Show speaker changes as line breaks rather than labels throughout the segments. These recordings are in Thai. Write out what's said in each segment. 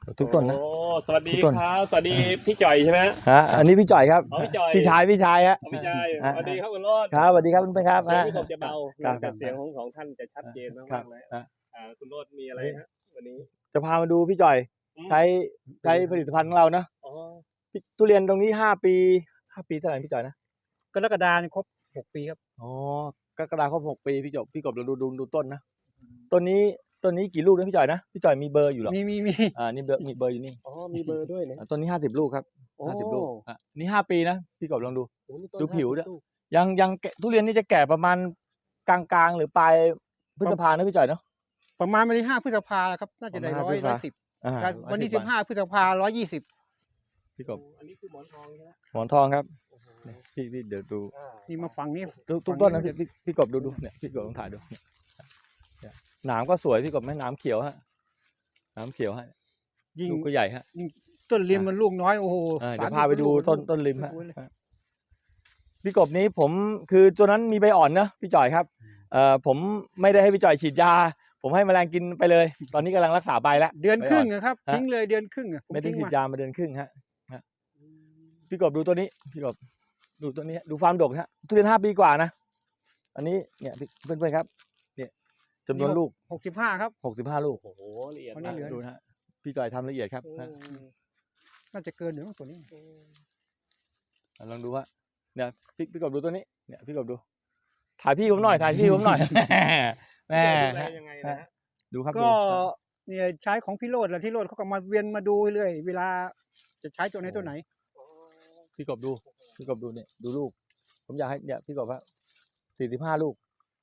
ทุกต้นนะ
โอ้สวัสดี
ทุกต้น
ครับสวัสดีพี่จ่อยใช่ไหม
ฮะอันนี้พี่จ่อยครับ
อ๋อพี่จ่อย
พี่ชายฮะ
พี่จ่อยสวัสดีครับคุณโรจน์
ครับสวัสดีครับคุณเพื่อนครับ
เสียงพี่กบจะเบา
ครับ
แต่เสียงของท่านจะชัดเจน
ครั
มา
บ
กๆเลย
ฮะ
คุณโรจน์มีอะไรฮะวันนี้
จะพามาดูพี่จ่อย
อืม
ใช้ผลิตภัณฑ์ของเราเนาะ
อ๋อ
ทุเรียนตรงนี้5 ปีเท่าไหร่พี่จ่อยนะ
กรกฎาคมครบ6 ปีครับ
อ๋อกรกฎาคม6 ปีพี่กบเราดูต้นนะต้นนี้กี่ลูกนะพี่จ่อยนะพี่จ่อยมีเบอร์อยู่หรอ
มี
นี่เบอร์อยู่นี่
อ๋อมีเบอร์ด้วยนะ
ต้นนี้50 ลูกครับ
โอ้
50 ลูกนี่5 ปีนะพี่กบลองดู
โอ้นี่ต้น
ดูผิวด้วย
50ลูก
ยังทุเรียนนี่จะแก่ประมาณกลางๆหรือปลายพฤษภานะพี่จ่อยเนาะ
ประมาณวันที่5 พฤษภาครับน่าจะได้
ประมาณ
110
อ่า
วันที่15 พฤษภา120
พี่กบ
อันนี้คือหมอนทองใช่ไหม
หมอนทองครับ
โอ้โห
พี่เดี๋ยวดู
นี่มาฝั่งนี้
ทุกต้นนะพี่กบดูเนี่ยพี่กบลองถ่ายดูเนี่ยหนามก็สวยพี่กบไหมหนามเขียวฮะหนามเขียวฮะ
ยิ่ง
ลูกก็ใหญ่ฮะ
ต้นริมมันลูกน้อยโอ้โห
เดี๋ยวพาไปดู
30
ต้นริมฮะ
โอ้โห
พี่กบนี้ผมคือตัวนั้นมีใบอ่อนนะพี่จ่อยครับผมไม่ได้ให้พี่จ่อยฉีดยา ผมให้แมลงกินไปเลย ตอนนี้กำลังรักษาใบแล้ว
เดือนครึ่งนะครับ
ฮะ
ทิ้งเลยเดือนครึ่งอะผ
ไม่ได้
ทิ้ง
ฉีด
มาย
ามาเดือนครึ่งฮะพี่กบดูตัวนี้พี่กบดูตัวนี้ดูฟาร์มดกฮะทุเรียน5 ปีกว่านะอันนี้เนี่ยเพื่อนๆครับเนี่ยจำนวนลูก
65ครับ
65 ลูก
โอ้โหละเอียด
วันนี้
มาก
เหลือ
ดูนะฮะพี่จ่อยทำละเอียดครับ
อื
นะ
ม
น่าจะเกินหนึ่งตัวนี้
ลองดูว่าเนี่ยพี่กบดูตัวนี้เนี่ยพี่กบดูถ่ายพี่ผมหน่อยแม่
ดูแลยังไงนะฮะ
ดูครับ
ก็
ดู
เนี่ยใช้ของพี่โรดแหละที่โรดเขาก็มาเวียนมาดูเรื่อยเวลาจะใช้ตัวไหนตัวไหน
พี่กบดูเนี่ยดูลูก ผมอยากให้เนี่ยพี่กบว่า45 ลูก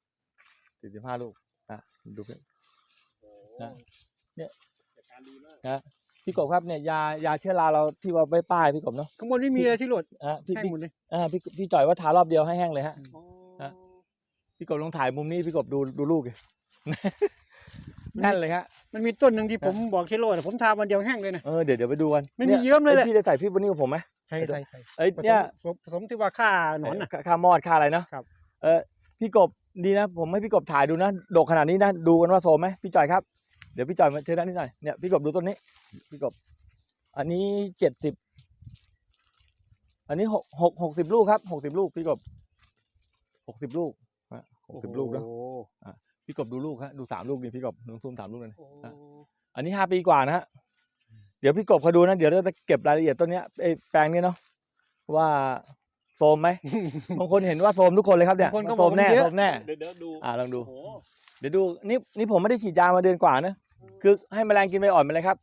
45 ลูกนะดูเพื่อน นะเนี่ย
จัดการดีมาก
นะพี่กบครับเนี่ยยาเชื้อราเราที่ว่าไปป้ายพี่กบเนาะ
ข้างบนไม่มีเลยที่โรด
พี่
แห้งหมดเลย
พี่จ่อยว่าทารอบเดียวให้แห้งเลยฮะ
อ๋อ
ฮะ พี่กบลองถ่ายมุมนี้พี่กบดูลูกดิ แน่นเลยฮะ
มันมีต้นหนึ่งที่ผมบอกที่โรดผมทาวันเดียวแห้งเลยนะ
เดี๋ยวไปดูกัน
ไม่มีเยิ้มเลยแหละ
พี่ได้ใส่พี่บนนี้กับผมไหม
ใช่
เอ้ยเนี่ย
ผสมที่ว่าฆ่าหนอนน่ะ
ค่ามอดค่าอะไรเนาะ
ครับ
พี่กบดีนะผมให้พี่กบถ่ายดูนะดกขนาดนี้นะดูกันว่าโซมไหมพี่จ่อยครับเดี๋ยวพี่จ่อยมาเชิญด้านนี้หน่อยเนี่ยพี่กบดูต้นนี้พี่กบอันนี้70อันนี้60 ลูกครับ60 ลูกพี่กบ60 ลูก60 ลูกเนาะ
โอ้โห
พี่กบดูลูกฮะดู3 ลูกนี่พี่กบลองซูม3 ลูกเลยนะ
โอ้โห
อันนี้5 ปีกว่านะฮะเดี๋ยวพี่กบเขาดูนะเดี๋ยวเราจะเก็บรายละเอียดต้นเนี้ยแปลงนี้เนาะว่าโซมไหม บางคนเห็นว่าโซมทุกคนเลยครับเนี่ย
บางคนก็
โซมแน่
บอกว่าเยอะ
โซมแน่
เดี๋ยวดู
ลองดู
โอ้โห
เดี๋ยวดูนี่ผมไม่ได้ฉีดยามาเดือนกว่านะคือให้แมลงกินใบอ่อนไปเลยครับ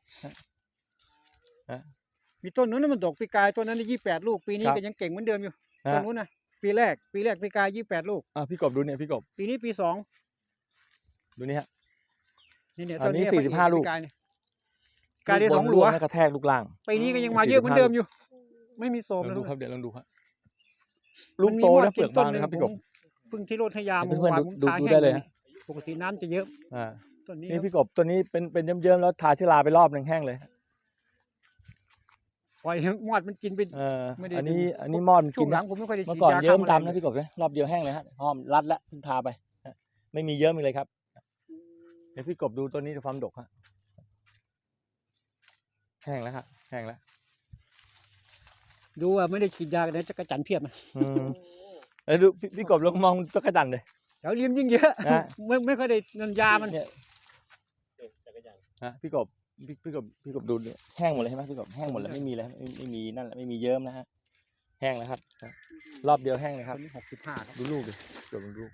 มีต้นนู้นนะมันดกปีกายต้นนั้นได้28 ลูกปีนี้
ครับ
ก็ยังเก่งเหมือนเดิมอยู่
ฮะ
ต้นนู้นนะปีแรกปีกาย28 ลูก
พี่กบดูเนี่ยพี่กบ
ปีนี้ปี2
ดูนี่ฮะ
นี่เนี่ย
อั
ต้
น
น
นี้
นี้
45 ลูก
ปีกายเนี่ยกายได้2 หลัว
กระแทกลูกล่าง
ปีนี้ก็ยังมาเยอะเหมือนเดิมอยู่ ไม่มีโส
ล
ม
อง
นะ
ดูครับเดี๋ยวลองดูครับ
มั
ลูก
นมี
โต
มอด
นะเปลือก
ต้
บางนะครับพี่กบ
เพิ่งที่โรดให้ยา
เพื่อนๆ
วาน
ดู
ทา
ดู
แห้ง
ได้เลยฮะ
ปกติน้ำจะเยอะ
อ่า
ต้นนี้
นี่พี่กบตัวนี้เป็นเยิ้มๆแล้วทาเชื้อราไปรอบหนึ่งแห้งเลย
ปล่อยให้มอดมันกินไป ไม่ได้
อันนี้มอดมัน
ช่
กิ
วน งหลั
นะ
งผมไม่ค่อยได้
เมื่
ฉี
อ
ด
ก่อน
ยา
เยิ้ม
ฆ่าแมลง
ดำนะพี่กบนะรอบเดียวแห้งเลยฮะหอมรัดแล้วทาไปไม่มีเยิ้มอีกเลยครับเดี๋ยวพี่กบดูตัวนี้ความดกฮะแห้งแล้วฮะแห้งแล้ว
ดูว่าไม่ได้ฉีดยากันนะจักรจันทร์เพียบนะ
ดูพี่กบลองมองจักรจันทร์เลย
แถวริมยิ่งเยอะ
นะ
ไม่ค่อยได้นันยามัน
เนี่ย
จักรยาน
พี่กบดูเนี่ยแห้งหมดเลยใช่ไหมพี่กบแห้งหมดแล้วไม่มีแล้วไม่มีนั่นแหละไม่มีเยิ้มนะฮะแห้งแล้วครับรอบเดียวแห้งเลยครับ
ต้นนี้65ครับ
ดูลูกดิกบดู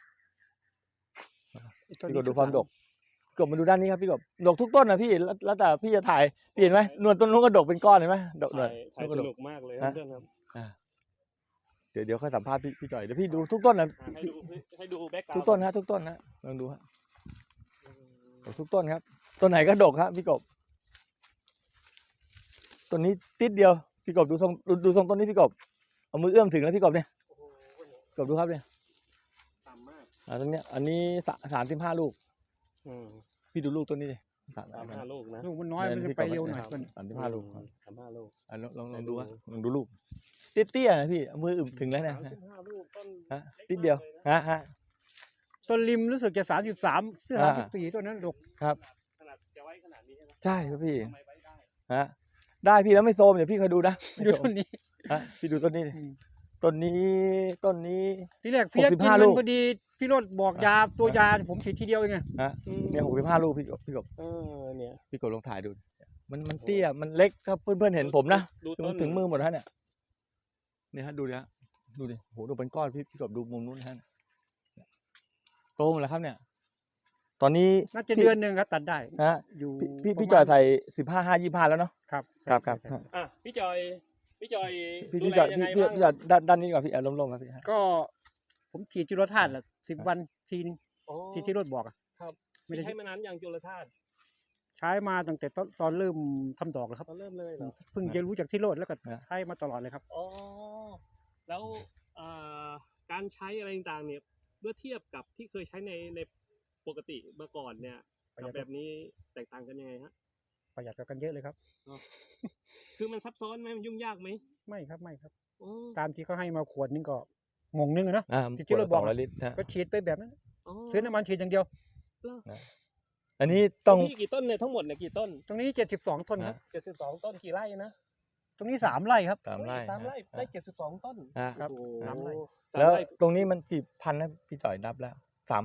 ต้น
พี่
นี้
กบดูความดกพี่กบมาดูด้านนี้ครับพี่กบดกทุกต้นนะพี่แล้วแต่พี่จะถ่ายพี่เห็นไหมหนวดต้นนู้นก็ดกเป็นก้อนเห็นไหมดกหนวด
ถ่ายสนุกมากเลยครับเพื่อนครับ
เดี๋ยวค่อยสัมภาษณ์พี่จ่อยเดี๋ยวพี่ดูทุกต้นนะ
ให้ดูแบ็คกราวด์
ทุกต้นฮะทุกต้นฮะลองดูฮะทุกต้นครับต้นไหนก็ดกครับพี่กบต้นนี้ติดเดียวพี่กบดูทรงต้นนี้พี่กบเอามือเอื้อมถึงแล้วพี่กบเนี่ย
โอ้โห
กบดูครับเนี่ย
ต่ำมาก
ต้นเนี้ยอันนี้35 ลูก
อืม
พี่ดูลูกต้นนี้ดิ
35 ลูกนะ
ลูกมันน้อยมันจะไปเร็วหน่อยมัน
35 ลูก
35 ลูก
ลองดูฮะลองดูลูกเตี้ยๆนะพี่เอามืออึมถึงแล้วเนี่ย
35 ลูกต้น
ฮะติดเดียวฮะ
ต้นริมรู้สึกจะ33 34ต้นนั้นดก
ครับ
ขนาดจะไว้ขนาดนี้ใช่ไหม
ใช่ครับพี่
ทำไมไว้ได้
ฮะได้พี่แล้วไม่โซมเดี๋ยวพี่เคยดูนะ
ดูต้นนี้
ฮะพี่ดูต้นนี้ดิ
อืม
ต้นนี้
ทีแรกเพี้ยกิน
65
มั
ลู
น
ก
พอดีพี่โรดบอกยาตัวยาผมฉีดทีเดียวเองไง
ฮะเนี่ย65 ลูกพี่กบ
เนี่ย
พี่กบลองถ่ายดูมันเตี้ยมันเล็กถ้าเพื่อนๆเห็นผมนะ
ดู
ถึ
ต้
ง
น
ถึงมือหมดแล้วเนี่ยเนี่ยฮะดูดิฮะดูดิโหดูเป็นก้อนพี่กบดูมุมนู้นฮะโตหมดแล้วครับเนี่ย ตอนนี้
น่าจะเดือนหนึ่งครับตัดได้
ฮะ
อยู่
พี่
ประมาณ
จอยใส่15 25แล้วเนาะ
ครับ
ครับ
ใช่
อ่ะพี่จอยดู
พี่
แล
จอย
ยังไง
พี่
บ้าง
จอยด้านนี้ดีกว่าพี่ล้มๆครับพี่ฮะ
ก็ผมฉีดจุลธาตุละ10 วันทีนึง
อ๋อ
ที่โรดบอกอะ
ครับ
ไม่ได้
ใช้มานานอย่างจุลธาตุ
ใช้มาตั้งแต่ตอนเริ่มทำดอกแล้วครับ
ตอนเริ่มเลยเหรอ
เพิ่งจะรู้จากที่โรดแล้วก็ใช้มาตลอดเลยครับ
อ๋อแล้วการใช้อะไรต่างๆเนี่ยเมื่อเทียบกับที่เคยใช้ในปกติเมื่อก่อนเนี่ย
ประหยั
กับ
ด
แบบนี้แตกต่างกันยังไงฮะ
ประหยัดกว่ากันเยอะเลยครับ
คือมันซับซ้อนไหมมันยุ่งยากไหม
ไม่ครับไม่ครับ
โอ้
ตามที่เขาให้มาขวดนึงก็งงนึงอะเนาะ ที่
ขวด
เรา
ละ
บอก
200 ลิตรฮะ
ก็ฉีดไปแบบนั้น
อ๋อ
ซื้อน้ำมันฉีดอย่างเดียว
อันนี้ต้อง
ที่กี่ต้นเนี่ยทั้งหมดเนี่ยกี่ต้น
ตรงนี้72 ต้นครับ
72 ต้นกี่ไร่นะ
ตรงนี้3 ไร่ครับ
3 ไร่
สามไร่ได้72 ต้น
ฮะ
ครับ
โอ้โห
สามไร่
สาม
แล้ว
ไร่
ตรงนี้มันกี่พันนะพี่จ่อยนับแล้ว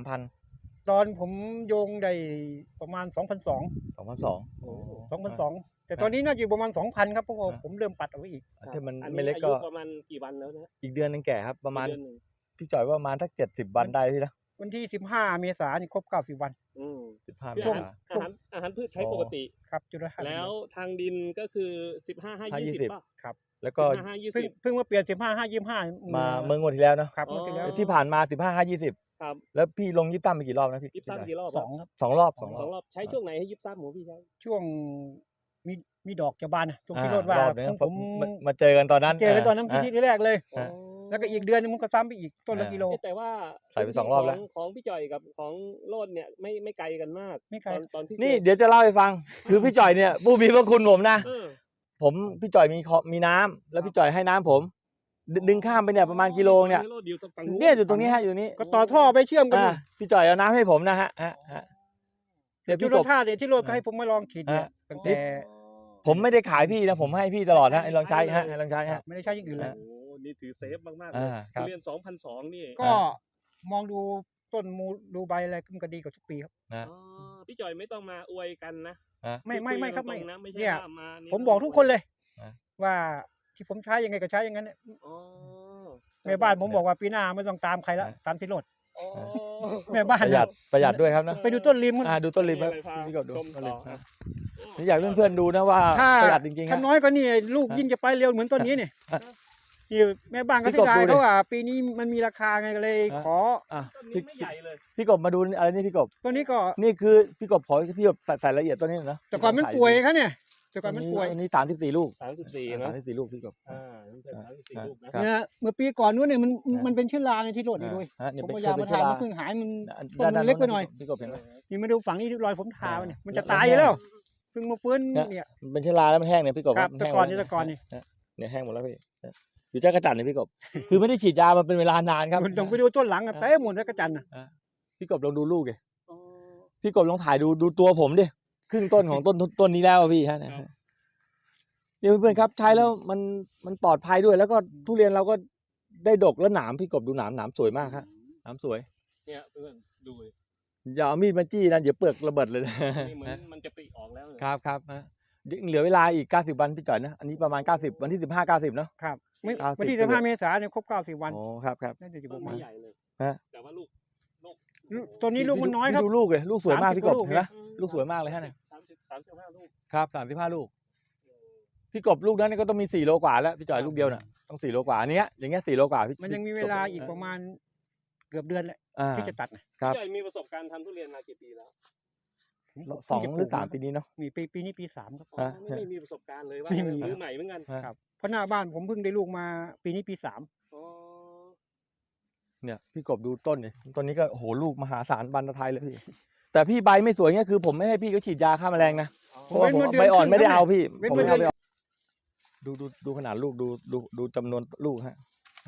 3,000
ตอนผมโยงได้ประมาณ 2,200
2,200
โอ้โห
2,200 แต่ตอนนี้น่าจะอยู่ประมาณ 2,000 ครับเพราะว่า
อ่า
ผมเริ่มปัดเอาไว้อีก
ถ้ามัน
อั
ไม่เล็กก็
อายุประมาณกี่วันแล้วนะ
อีกเดือนนึงแก่ครับประมาณ
เดือนหนึ่ง
พี่จ่อยว่าประมาณสัก70 วันได้พี่นะ
วันที่15 เมษายนนี่ครบ90 วัน
อืม
15
คือ
เม
อาหาร
ษา
อาหารพืชใช้
อ๋อ
ปกติ
ครับจุลธาตุ
แล้วทางดินก็คือ15 5 20
20
ป่ะ
ครับ
แล้วก็
15 5
เพิ่งมาเปลี่ยน15 5 25
มาเมืองงวดที่แล้วเนาะ
ครับเมื่อที่แล้ว
ที่ผ่านมา15 5 20
ครับ
แล้วพี่ลงยิบตั้มไปกี่รอบนะพี่
ยิบซ้ำกี่รอบ
สองครับ
2 รอบ
สองรอบใช้ช่วงไหนให้ยิบซ้ำหมูพี่ใช้
ช่วงมีดอกจะบานอะช่วงที่โรดว่า
รอบนึง
ของ
ผ
ผม ม
มาเจอกันตอนนั้น
เจอกันตอนนั้นที่แรกเลย
อ่า
แล้วก็อีกเดือนนึงมันก็ซ้ำไปอีกต้นละกิโล
แต่ว่า
ใส่ไป2 รอบแล้ว
ของพี่จ่อยกับของโลดเนี่ยไม่ไกลกันมาก
ไม่ไกล
ตอนที่
นี่เดี๋ยวจะเล่าให้ฟัง คือพี่จ่อยเนี่ยผู้มีพระคุณผมนะ
เออ
ผมพี่จ่อยมีน้ำแล้วพี่จ่อยให้น้ำผมดึงข้ามไปเนี่ยประมาณกิโลเนี่ย
โลดอยู่ตรงฝั่งนู้น
เนี่ยอยู่ตรงนี้ฮะอยู่นี้
ก็ต่อท่อไปเชื่อมกันอยู่
พี่จ่อยเอาน้ำให้ผมนะฮะเดี๋ยว
จุ
พี่
ล
กบ
ธาตุเนี่ยที่โรดก็ให้ผมมาลองฉีดเนี่ยตั้งแต่
ผมไม่ได้ขายพี่นะผมให้พี่ตลอดฮะให้ลองใช้ฮะให้ลองใช้ฮะ
ไม่ได้ใช้อย่างอื่นเลย
โอ้โหนี่ถือเซฟมากๆเลย
ครับ
เรียน 2,200 นี่
ก็มองดูต้นมูดูใบอะไรมันก็ดีกว่าทุกปีครับ
นะ
อ๋อพี่จ่อยไม่ต้องมาอวยกันนะ
ไม่ครับ
คุ
ไม่
ยกันตงๆนะไม่ใช่
เนี่ย
ว่ามานี่
ผมบอกทุกคนเลย
อ่ะ
ว่าที่ผมใช้ยังไงก็ใช้อย่างนั้นเนี่ย
อ๋อ
แม่บ้านผมบอกว่าปีหน้าไม่ต้องตามใครละตามที่โรด
อ๋อ
แม่บ้า
ป
น
ระหยัดประหยัดด้วยครับนะ
ไปดูต้นริมมัน
ดูต้นริม
มี
ครับ
อะไรพา
พี่กบดู
ชม
ต้นริม
ต่อ
ฮะนี่อยากเพื่อนๆดูนะว่า
ถ้า
ประหยัดจริงๆ
ถ้า
ฮะ
น้อยกว่านี่ลูก
อ่ะ
ยิ่งจะไปเร็วเหมือนต้นนี้เนี่ย
อ่ะ
ที่แม่บ้านก็
พี่
เสี
กบ
ยดาย
ดูดิ
เขาว่าปีนี้มันมีราคาไงก็เลย
อ่ะ
ขอ
อ่ะ
ต้นนี้ไม่ใหญ่เลย
พี่กบมาดูอะไรนี่พี่กบ
ตัวนี้ก็
นี่คือพี่กบขอพี่กบใส่ละเอียดตัวนี้หน่อยนะ
แต่ก่อนมันป่วยครับเนี่ยแต่ก่อนมันป่วย
อันนี้34 ลูก
34นะ
34 ลูกพี่กบ
นี่เป็น34ลูกนะ
ครับ
เนี่ยเมื่อปีก่อนนู้นเนี่ยมัน
อ่ะ
มันเป็นเชื้อราในที่โรดนี่ด้วย
ฮะเนี่ย
ผม
เป็น
พยายาม
เป็
มาน
เชื้อ
ทา
รา
มันเพิ่งหายมัน
ด้าน
มันเล็กไปหน่อย
พี่กบเห็นไหม
นี่มาดูฝั่งนี้ที่รอยผมทามันเนี่ยมันจะ
แล้ว
ตายอยู่แล้ว
แห้ง
เพิ่งมาฟื้น
เนี่ย
เนี่ย
มันเป็นเชื้อราแล้วมันแห้งเนี่ยพี่กบ
ครับ
มั
แต่
แห้ง
ก่อน
หมด
นี่แต่ก่อนนี่
เนี่ยแห้งหมดแล้วพี่อยู่จ้ากระจันเนี่ยพี่กบ คือไม่ได้ฉีดยามันเป็นเวลานานครับ
มันต้องไปดูต้นหลังอะเต้หมดแล้วกระจันน่ะ
พี่กบลองดูลูกดิ
อ๋อ
พี่กบลองถ่ายดูตัวผมดิครึ่งต้นของต้นนี้แล้วอะพี่ฮะเนี่ย
ครับ
เนี่ยเพื่อนๆครับใช้แล้วมันปลอดภัยด้วย แล้วก็ทุเรียนเราก็ได้ดกแล้วหนามพี่กบดูหนามสวยมากครับหนามสวย
เนี่ยเพื่อนดูดิ
อย่าเอามีดมาจี้นะเดี๋ยวเปลือกระเบิดเลยนะ
นี่เหมือนมันจะปริออกแล้วเลย
ครับฮะเหลือเวลาอีก90 วันพี่จ่อยนะอันนี้ประมาณ90วันที่15 90เนาะ
ครับไม่
90
วันที่15 เมษายนเนี่ยครบ90 วัน
โอ้ครับ
น่าจะอยู่ป
ต้น
ระมา
ไม่
ณ
ใหญ่เลย
ฮะ
แต่ว่าลูก
ตัวนี้ลูกมันน้อยครับ
ดูลูกเลยลูกสวยมาก
30
พี่กบ
ลูก
เห็นไหม
อื
ลูกสวยมากเลยฮะเนี่ย
35 ลูก
ครับ35 ลูกพี่กบลูกนั้นก็ต้องมี4 โลกว่าแล้วพี่จ่อยลูกเดียวน่ะต้อง4 โลกว่าอันเนี้ยอย่างเงี้ย4 โลกว่าพี่
มันยังมีเวลาอีกประมาณเกือบเดือนแหละ
อ่า
ที่จะตัดนะ
ครับ
พี่ใหญ่มีประสบการณ์ทำทุเรียนมากี่ปีแล้ว
2 หรือ 3 ปีนี้เนาะ
มีปีนี้ปี 3 ครับ
อ๋อ
ฮะ
ไม่มีประสบการณ์เลยว่า
ไม่มี
มือใหม่เหมือนกัน
ฮะ
ครับเพราะหน้าบ้านผมเพิ่งได้ลูกมาปีนี้ปี
อ๋อ
เนี่ยพี่กบดูต้นเนี่ยต้นนี้ก็โอ้โหลูกมหาศาลบรรทายเลยพี่แต่พี่ใบไม่สวยเงี้ยคือผมไม่ให้พี่เขาฉีดยาฆ่าแมลงนะเพราะว่าผมใบอ่อนไม่ได้เอาพี่ผมไม่เอาไปดูขนาดลูกดูจำนวนลูกฮะ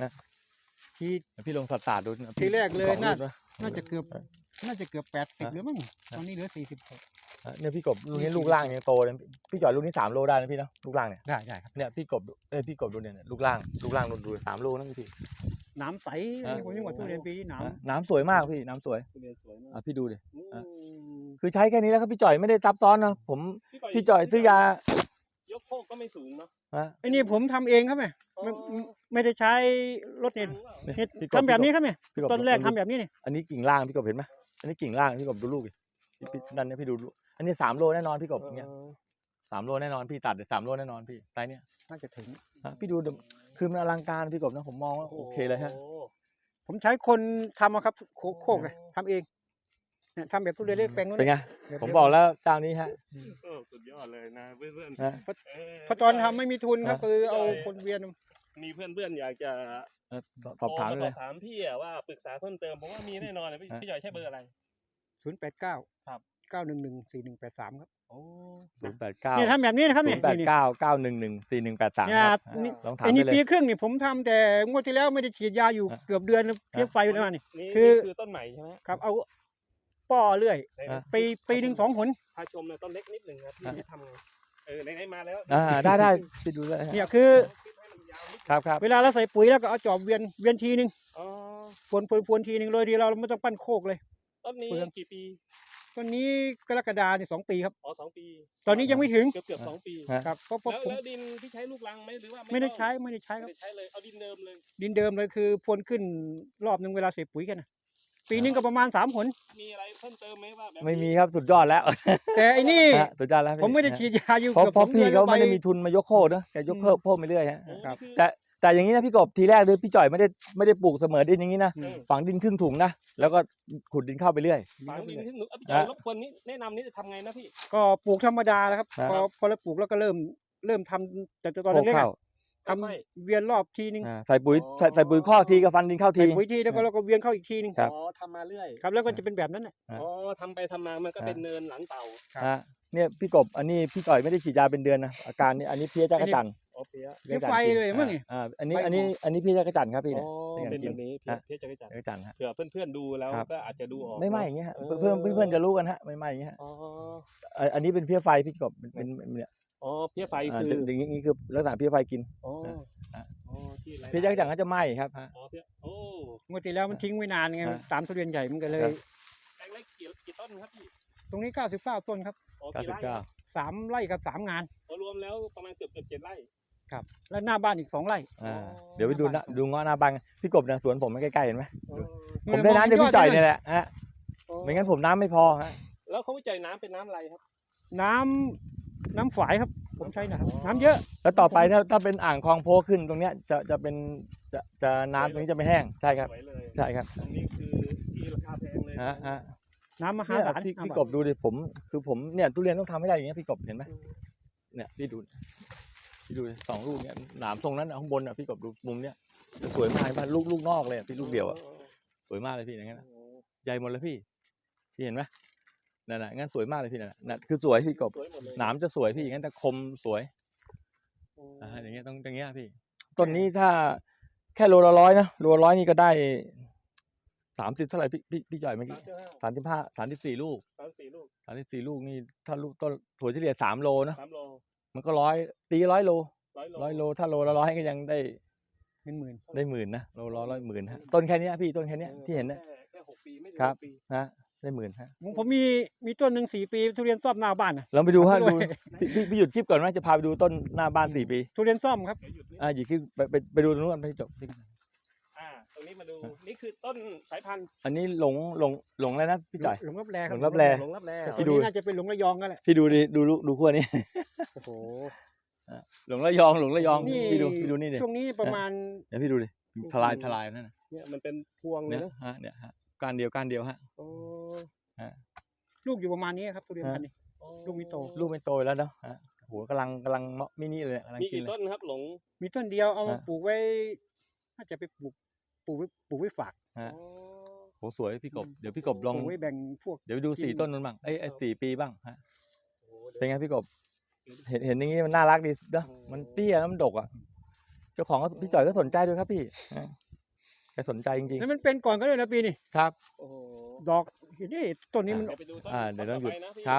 3ที่
พี่ลงสัดๆดูนะ
ทีแรกเลย
สอง
น่า
ลูกนะ
น่าจะเกือบ80หรือมั้งตอนนี้เหลือ46
เนี่ยพี่กบลูกนี้ลูกล่างยังโตเลยพี่จ่อยลูกนี้3 โลได้นะพี่เนาะลูกล่างเนี่ย
ได้ครับ
เนี่ยพี่กบพี่กบดูเนี่ยลูกล่างดู3 โลนะพี่
น้ำใสผมยังว่าทุเรียนปีนี้น้ำ
น้ำสวยมากพี่น้ำสวย
ทุเรียนสวยมาก
พี่ดูดิ
อืม
คือใช้แค่นี้แล้วครับพี่จ่อยไม่ได้ซับซ้อนนะผมพี่จ่อยซื้อยาย
กโคกก็ไม่สูงเนาะ
ไอ้นี่ผมทำเองครับเนี่ย
อ๋อ
ไม่ได้ใช้รถเน็ต
เนี่ย
เฮ็ด
พี่กบ
ทำแบบนี้ครับเนี่ย
พี่กบ
ต้นแรกทำแบบนี้นี่
อันนี้กิ่งล่างพี่กบเห็นไหมอันนี้กิ่งล่างพี่กบดูลูกดิพี่นั่นเนี่ยพี่ดูลูกอันนี้3 โลแน่นอนพี่กบอย่างเงี้ย3 โลแน่นอนพี่ตัด3 โลแน่นอนพี่ไซส์เนี้ย
น่าจะถึง
พี่ดูคือมันอลังการพี่กบนะผมมองว่าโอเคเลยฮะ
โอ้
ผมใช้คนทำอะครับโคกเลยทำเองเนี่ยทำแบบทุเรียนเล็กแปลงนู้น
เป็นไง
แบบ
ผมบอกแล้วเจ้านี้ฮะ
สุดยอดเลยนะเพื่อน
นะ
เพราะตอนทำไม่มีทุนครับ
นะ
คือเอาคนเวียน
มีเพื่อนๆอยากจะ
สอบถาม
โทร
เล
สอย บถามพี่อะว่าปรึกษาเพิ่มเติมเพราะว่ามีแน่นอนเลยพี่
ฮะ
พี่จ่อยใช้เบอร์อะไร
089
ครับ
9114183ครับ
โอ้
089
เนี่ยทำแบบนี้นะครับเนี่ย
089 911 4183
เนี่ย
ครับ
นี่
ลองถาม
ไอ้
ได้
นี่
เลย
ปีครึ่งนี่ผมทำแต่งวดที่แล้วไม่ได้ฉีดยาอยู่
ฮะ
เกือบเดือนเพี้ยไฟแล้วนี่
นี่
คือ
คือต้นใหม่ใช่ไหม
ครับเอาป้อเรื่อย
ไหน
ปีหนึ่ง2 หน
พาชมเลยต้นเล็กนิดหนึ่งครับพี่ทำไงไหนๆมาแล้ว
ได้ไปดูเลยฮะ
เนี่ยคือ
คลิปให้มันยาวนิด
ครับ
เวลาเราใส่ปุ๋ยแล้วก็เอาจอบเวียนทีนึง
อ๋อ
พวนทีนึงเลยดีเราไม่ต้องปั้นโคกเลย
ต้นนี้
เปลือง
กี่ปี
ต้นนี้กรกฎาเนี่ย2 ปีครับ
อ๋อ2 ปี
ตอนนี้ยังไม่ถึง
เกือบ2 ปี
ฮะ
ครับเพราะ
แล้ว
ผม
แล้วดินที่ใช้ลูกรังไหมหรือว่า
ไม่ได้
ต้อง
ใช้ครับ
ไม่ได้ใช้เลยเอาดินเดิมเลย
ดินเดิมเลยคือพรวนขึ้นรอบนึงเวลาใส่ปุ๋ยกันนะปีนึงก็ประมาณ3 หน
มีอะไรเพิ่มเติมไหมว่าแบบ
ไม่มีครับสุดยอดแล้ว
แต่ไอ้นี่
ฮะสุดยอดแล้วพี่
ผมไม่ได้ฉีดยาอยู่
เพราะ
เกือบ
เพราะ
2
พี่
ดือน
เขาไม่ได้
ป
มีทุนมายกโคกนะแกยกเพิ่มไปเรื่อยฮะ
โอ้
ครับ
นี่อ
แต่อย่างนี้นะพี่กบทีแรกเลยพี่จ่อยไม่ได้ปลูกเสมอดินอย่างนี้นะ
เออ
ฝังดินครึ่งถุงนะแล้วก็ขุดดินเข้าไปเรื่อย
ฝังดินที่หนูพี่จอยรบกวนนี้แนะนำนี่จะทำไงนะพี่
ก็ปลูกธรรมดาแล้วครับ
ครับ
พอเราปลูกแล้วก็เริ่มทำแต่ตอน
โคก
แรกๆ
เข้า
อะทำเวียนรอบทีนึง
ใส่ปุ๋ยใส่ปุ๋ยข้อกทีกับฟันดินเข้า
ใส่
ที
ปุ๋ยทีแล้วก็เราก็เวียนเข้าอีกทีนึง
ครับ
อ๋อทำมาเรื่อย
ครับแล้วก็จะเป็นแบบนั้นน่ะ
ครับ
อ๋อทำไปทำมามันก็เป็นเนินหลังเต่า
ฮะเนี่ยพี่กบอันนี้พี่จ่อยไม่ได้ฉีดยาเป็นเดือนนะอาการนี้อันนี้เพี้ยจักรจันทร์
อ๋อเพี้ย
เพี้ยไฟเลยมั้งนี่
อันนี้เพี้ยจักรจันทร์ครับพี่
อ๋
เนี่ย
อ
เป็น
เป็น
อย่าง
แบบนี้
ฮะ
เพี้ยจักรจันทร์
จักรจันทร์ฮะ
เผื่อเพื่อนๆดูแล้ว
ครับ
ก็อาจจะดูออก
ไม่ไหม้อย่างเงี้ยฮะ
เออ
เพื่อนจะรู้กันฮะไม่ไหม้อย่างเงี้ยฮะ
อ๋อ
อันนี้เป็นเพี้ยไฟพี่กบเป็นเนี่ย
อ๋อเพี้ยไฟ
อ่า
คือ
อย่างนี้คือลักษณะเพี้ยไฟกิน
อ๋อ
ฮะ
อ๋อที่ไร
เพี้ยจักรจันทร์ก็จะไหม้ครับฮะ
อ๋อเพี้ยโอ้
งวดที่แล้วมันทิ้งไว้นานไง
ฮะ
ตามทุเรียนใหญ่มันก็เลย
ครับ
แปลงเล็กกี่ต้นครับพี่
ตรงนี้99 ต้นครับ
อ๋อกี่ไร่
3 ไร่กับ3 งาน
อ๋อรวมแล้วประมาณเกือบ7 ไร่
ครับแล้วหน้าบ้านอีก2 ไร่
เดี๋ยวไปดูนะดูเงาะหน้าบังพี่กบเนี่ยสวนผมมันใกล้ๆเห็นไหม
อ๋อ
ผมได้น้ำจากพี่จ่อยเนี่ยแหละฮะ
อ๋อ
ไม่งั้นผมน้ำไม่พอฮะ
แล้วเขาวิจัยน้ำเป็นน้ำอะไรครับ
น้ำฝายครับ ผมใช้น้ำเยอะ
แล้วต่อไปถ้าเป็นอ่างคลองโพขึ้นตรงเนี้ยจะเป็นจะน้ำตรงนี้จะไม่แห้งใช่ครับ
สวยเลย
ใช่ครับ
ตรงนี้คือที่ราคาแพงเลย
ฮะ
น้ำมหา
เนี่ย
ศาล
พี่กบดูดิผมเนี่ยทุเรียนต้องทำให้ได้อย่างเงี้ยพี่กบเห็นไหมเนี่ยพี่ดู2 ลูกเนี่ยหนามตรงนั้นข้างบนอ่ะพี่กบดูมุมเนี้ยจะสวยมากบ้านลูกนอกเลยพี่ลูกเดียวอ่ะสวยมากเลยพี่อย่างนั้นใหญ่หมดเลยพี่เห็นไหมนั่นน่ะงั้นสวยมากเลยพี่นั่นน่ะคือสวยพี่กบ
สวยหมดเลย
หนามจะสวยพี่อย่างนั้นจะคมสวยอย่างเงี้ยต้องอย่างเงี้ยพี่ต้นนี้ถ้าแค่โลละ100นะโลละ100นี่ก็ได้30เท่าไหร่พี่จ่อยเมื่อกี้34 ลูก
34 ลูก
34 ลูกนี่ถ้าลูกต้นถั่วเฉลี่ย3 โลนะ
3 โล
มันก็ตี100 โล
100 โล
100 โลถ้าโลละ100ก็ยังได้
เป็นหมื่น
ได้10,000นะโลละ100 10,000ฮะต้นแค่เนี้ยพี่ต้นแค่เนี้ยที่เห็นนะ
แค่6 ปีไม่ถึง
ครับ
6 ปี
นะได้10,000ฮะ
ผมมีต้นหนึ่ง4 ปีทุเรียนซ่อมหน้าบ้านนะ
เราไปดูฮะ
ด้วย
ดูพี่หยุดคลิปก่อนว่าจะพาไปดูต้นหน้าบ้าน4 ปี
ทุเรียนซ่อมครับ
เดี๋ยวหยุดนิด
หยุดคลิปไปดูตรงนู้นไปจบ
ตรงนี้มาดู นี่คือต้นสายพันธุ์
อันนี้หลงแล้วนะพี่จ่อย
หลงรับแลค
ห
รั
ล
บ
งรับแล
หลงรับแล
ตัวนี้น่าจะเป็นหลงระยองกันแหละ
พี่ดูดิดูขั้วนี้
โอ้โห
หลงระยอง
นี่
พี่ดูนี่ดิ
ช่วงนี้ประมาณ
เดี๋ยวพี่ดูดิทลายนั่นนะ
เนี่ยมันเป็นพวงเล
เนี่ย ย
นะ
ฮะเนี่ยฮะการเดียวฮะ
โอ้
ลูกอยู่ประมาณนี้ครับทุเรียนพันธุ์นี้ ลูกไม่โต
ลูกไม่โตแล้วเนาะฮะโหกำลังมินิเลยกำลัง
มี
กิน
กี่
เลย
ต้นครับหลง
มีต้นเดียวเอามา
ฮะ
ปลูกไว้น่าจะไปปลูกไว้ฝาก
ฮะโหสวยพี่กบเดี๋ยวพี่กบลอง
ปลูกไว้แบ่งพวก
เดี๋ยวไปดู
กิน
4 ต้นนั้นบ้าง4 ปีบ้างฮะ
โอ้โหเดี๋ยว
เป็นไงพี่กบเห็นอย่างงี้มันน่ารักดีเนาะมันเตี้ยแล้วมันดกอ่ะเจ้าของก็พี่จ่อยก็สนใจด้วยครับพี่แกสนใจจริง
แล้วมันเป็นก่อนก็เลยนะปีนี้
ๆครับ
โอ้โห
ดอกเห็นนี่ต้นนี้มัน
เดี๋ยวไปดูต้น
เดี๋ยวต้องหยุด
ต่ไปนะพี่
ครับ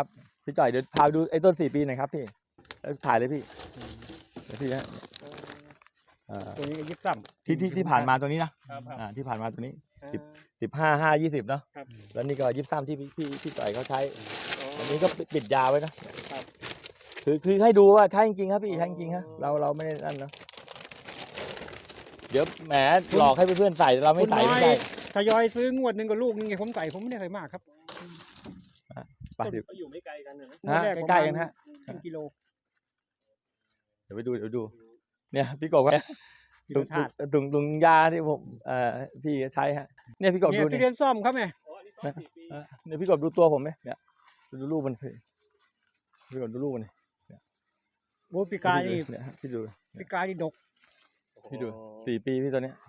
พี่จ่อยเดี๋ยวพาไปดูไอ้ต้น4 ปีหน่อยครับพี่แล้วถ่ายเลยพี่เดี๋ยวพี่ฮะ
ตัวนี้ยิบซ้ำ
ที่ผ่านมาตัวนี้นะครับ ที่ผ่านมาตัวนี้ 15 5 20เนาะ
ครับ
แล้วนี่ก็23ที่พี่จ่อยเขาใช้อันนี้ก็ปิดยาไว้นะคือให้ดูว่าใช้จริงๆครับพี่ใช้จริงๆฮะเราไม่ได้นั่นเนาะเดี๋ยวแหมหลอกให้เพื่อนๆใส่เราไม่ใส่ไม่ได้
ทยอยซื้องวดหนึ่งกับลูกนึงไงผมใส่ผมไม่ได้ใส่มากครับ
ไปเดี๋ยว
ก็อยู่ไม่ไกลกันนะ
งวดแรก
ใกล้ๆกันฮะ
ครึ่งกิโล
เดี๋ยวไปดูเนี่ยพี่กบว่า
กิ
ถุ
โล
ง
ธาตุ
ถุงยาที่ผมพี่ใช้ฮะเนี่ยพี่กบ
เนี่
ดู
ยทุ
นี่
เรียนซ่อมครับแม่
อ๋ออันนี้ซ่อม4 ปี
เนี่ยพี่กบดูตัวผมไหมเนี่ยดูรูปมันพี่กบดูรูปมันนี่
โอ้ปีกายนี่
เนี่ยพี่ดู
ปีกายนี่ดก
พี่ดู4 ปีพี่ตัวเนี้ย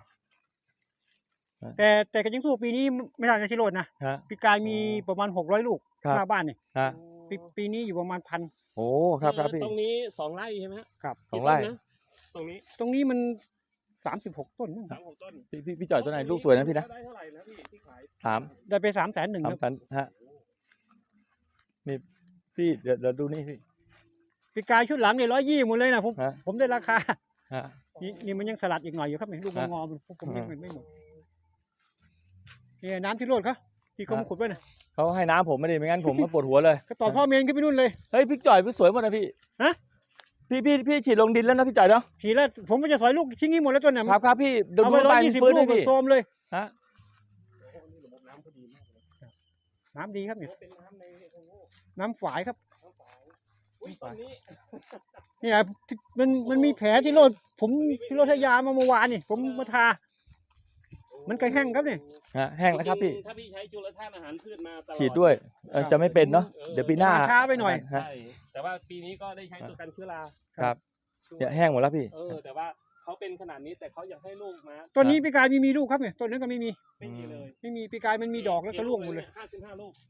แต่ก็ยังสู้ปีนี้ไม่ต่างจากชิโรดนะ
ฮะ
ปีกายมีประมาณ600 ลูก
ครับ
หน้าบ้านนี่
ฮะ
ปีนี้อยู่ประมาณ1,000
โอ้ครับพี่
ตรงนี้2 ไร่ใช่ไหมฮะ
ครับ
2 ไร่
กี่ต้นนะตรงนี้
ตรงนี้มัน36 ต้นมั้ง
3-6 ต้น
พี่จ่อยตัวไหนลูกสวยนะพี่นะ
ได้เท่าไหร่นะพี่ที่ขาย
3
ได้ไป300,001ครับ
ตันฮะนี่พี่เดี๋ยวดูนี่พี่
ปีกายชุดหลังเนี่ย120หมดเลยนะผม
ฮะ
ผมได้ราคา
ฮะ
นี่มันยังสลัดอีกหน่อยอยู่ครับเนี่ยลูกมัน
ฮะ
งอมันผมยัง
ฮะ
ไม่หมดนี่น้ำที่โรดเขาที่เขามาขุดไว้น่ะ
เขาให้น้ำผมไม่ได้ไม่งั้นผมก็ปวดหัวเลย
ก็ต่อท่อเมนขึ้นไปนู่นเลย
เฮ้ยพี่จ่อยพี่สวยหมดนะพี่
ฮะ
พี่ฉีดลงดินแล้วนะพี่จ่อยเนาะ
ทีแล้วผมก็จะสอยลูกทิ้งนี้หมดแล้วจนเนี่ย
ครับพี่ดู
เอาไป
ใบมัน
120
ฟื้น
ลู
เล
ก
ยพี่
โซมเลย
ฮะ
โอ้โหนี่ระบบน้ำเขาดีมากเลย
น้ำดีครับเนี่ย
เป็นน้ำในโอ้โห
น้ำฝายครับ
น้ำฝายอุ้ยตอนนี้
เนี่ยมันมีแผลที่โรดผมที่โรดทยามาเมื่อวานนี่ผมมาทา มันก็แห้งครับเนี่ย
ฮะแห้งแล้วครับพี่
ถ้าพี่ใช้จุลธาตุอาหารพืชมาตลอด
ฉีดด้วยจะไม่เป็นเนาะเดี๋ยวปีหน้า
ช้าไปหน่อย
ฮะ
ใช่แต่ว่าปีนี้ก็ได้ใช้ตัวกันเชื้อรา
ครับเนี่ยแห้งหมดแล้วพี่
แต่ว่าเขาเป็นขนาดนี้แต่เขาอยากให้ลูกมา
ต้นนี้ปีกายมีลูกครับเนี่ยต้นนั้นก็ไม่มี
ไม่มีเลย
ไม่มีปีกายมันมีดอกแล้วก็ร่วงหมดเลย
55 ลูก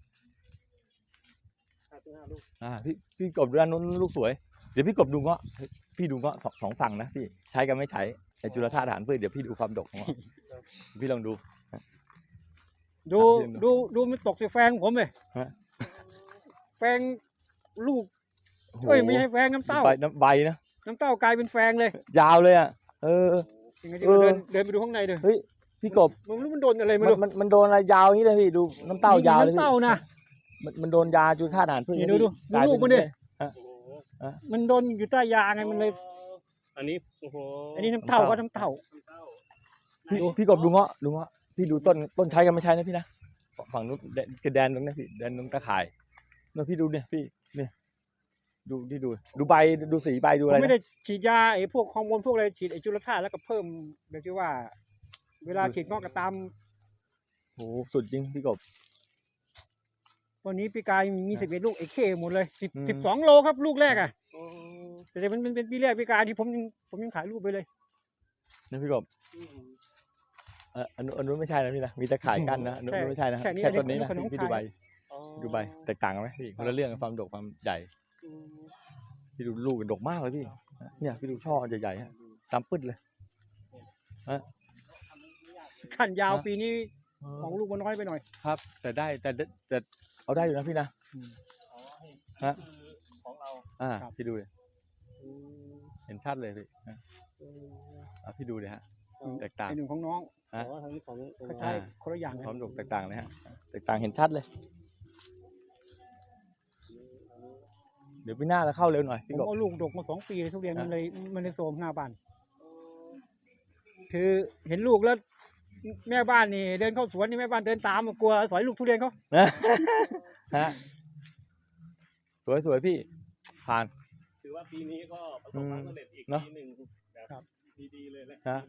55 ลูก
พี่กบดูด้านนู้นลูกสวย เดี๋ยวพี่กบดูเงาะพี่ดูเงาะสองฝั่งนะพี่ใช้กันไม่ใช้ไอจุลธาตุอาหารพืชเดี๋ยวพี่ดูความดกของเงาะพี่ลองดู
ดูมันตกใส่แฟงผมเลย
ฮะ
แฟงลูก
โอ้โห
เอ้ยไม่ใช่แฟงน้ำเต้า
ใบนะ
น้ำเต้ากลายเป็นแฟงเลย
ยาวเลยอ่ะ
ยังไงที่
เออ
เดินไปดูข้างในเลย
เฮ้ยพี่กบ
มันรู้มันโดนอะไรไม่รู้
มันโดนอะไรยาวอย่างนี้เลยพี่ดูน้ำเต้ายาวเลย
น้ำ
พี่
เต้านะ
มันโดนยาจุลธาตุอาหารพืช
นี่
นะ
ดู
พี่กลาย
ลู
เป็
กมันดิ
โอ้โห
มันโดนอยู่ใต้ยาไงมันเลย
อันนี้โอ้โห
อันนี้น้ำเต้าก็น้ำเต้า
พี่กบดูเงาะพี่ดูต้นใช้กันไม่ใช้นะพี่นะฝั่งนู้นแดนตรงนี้พี่แดนตรงตะข่ายเนี่ยพี่ดูเนี่ยพี่เนี่ยดูใบดูสีใบดู
ผม
อะไร
ไม่
นะ
ได้ฉีดยาไอ้พวกฮอร์โมนพวกอะไรฉีดไอ้จุลธาตุแล้วก็เพิ่มแบบที่ว่า เวลาฉีดงอกก็ตาม
โอ้โหสุดจริงพี่กบ
วันนี้ปีกายมี11 ลูกเอเคหมดเลย
อืม
12 โลครับลูกแรกอ่ะ
อืม
แต่มันเป็นปีแรกปีกายที่ผมยังถ่ายรูปไปเลย
นะพี่กบ
อืม
อันนู้นไม่ใช่นะพี่นะมีตะข่ายกั้นนะอันนู้นไม่ใช่นะ
แค่นี้
แค่ต้นนี้นะ
อันนี้
พี่ดูใบ
อ๋อ
ดูใบแตกต่างกันไหมพี่คนละเรื่องความดกความใหญ่
อืม
พี่ดูลูกดกมากเลยพี่เนี่ยพี่ดูช่อใหญ่ๆฮะตามปื้ดเลย
ขั้นยาวปีนี้ของลูกมันน้อยไปหน่อย
ครับ แต่ได้แต่เอาได้อยู่นะพี่นะ
อ๋อให้
ฮะ
คือของเรา
ครับ
พี่ดูเลย
อืม
เห็นชัดเลยพี่
อืม
พี่ดูเลยฮะ
อ๋อ
แตกต่าง
ไอ้หนึ่งของน้อง
ฮะ
อ๋อทางนี้ของ
เขาใช้คนละอย่างกัน
ความดกแตกต่างเลยฮะแตกต่างเห็นชัดเลย เดี๋ยวปีหน้าเราเข้าเร็วหน่อย
ผ
พี่
ม
กบ
เอาลูกดกมา2 ปีเลยทุเรียน
ฮะ
มันเลยโทรมหน้าบ้าน คือเห็นลูกแล้ว แม่บ้านนี่เดินเข้าสวนนี่แม่บ้านเดินตามกลัวสอยลูกทุเรียนเขา
ฮะสวยพี่ผ่าน
ถือว่าปีนี้ก็ประสบความสำเร็จอีก
เนอะ
ปีหนึ่งแบบ
ครับ
ดีๆเลยแหละ
ฮะ